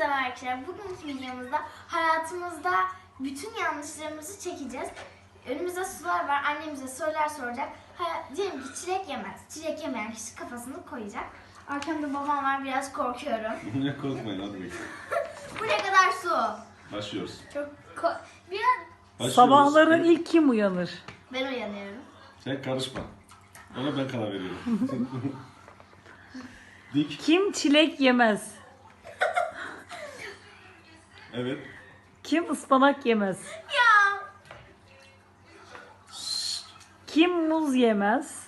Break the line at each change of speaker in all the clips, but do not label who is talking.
merhaba arkadaşlar. Bugünkü videomuzda hayatımızda bütün yanlışlarımızı çekeceğiz. Önümüzde sorular var. Annemize sorular soracak. Diyelim ki çilek yemez. Çilek yemeyen kişi kafasını koyacak. Arkamda babam var. Biraz korkuyorum.
Ne korkmayın hadi bakalım.
Bu ne kadar su?
Başlıyoruz.
Çok biraz
Başlıyoruz.
Sabahları ilk kim uyanır?
ben uyanıyorum.
Sen karışma. Ona ben karar veriyorum. Dik.
Kim çilek yemez?
Evet.
Kim ıspanak yemez?
Ya
Kim muz yemez?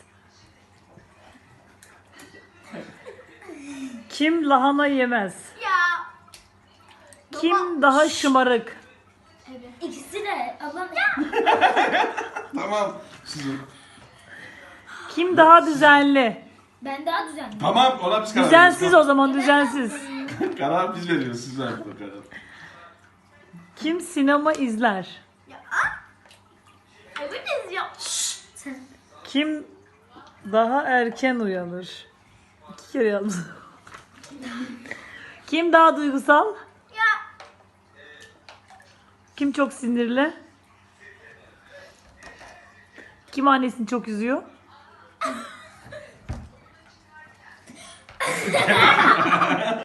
Kim lahana yemez?
ya.
Kim daha şımarık?
Evet. İkisi de ablam.
Tamam. Sizin.
Kim daha düzenli?
Ben daha düzenli.
Tamam ona biz karar
Düzensiz o
veriyoruz.
zaman, düzensiz.
Karar biz veriyoruz. Siz verin o karar.
Kim sinema izler?
Evet ya.
Kim daha erken uyanır? 2 kere yazdım. Kim daha duygusal?
Ya.
Kim çok sinirli? Kim annesini çok üzüyor?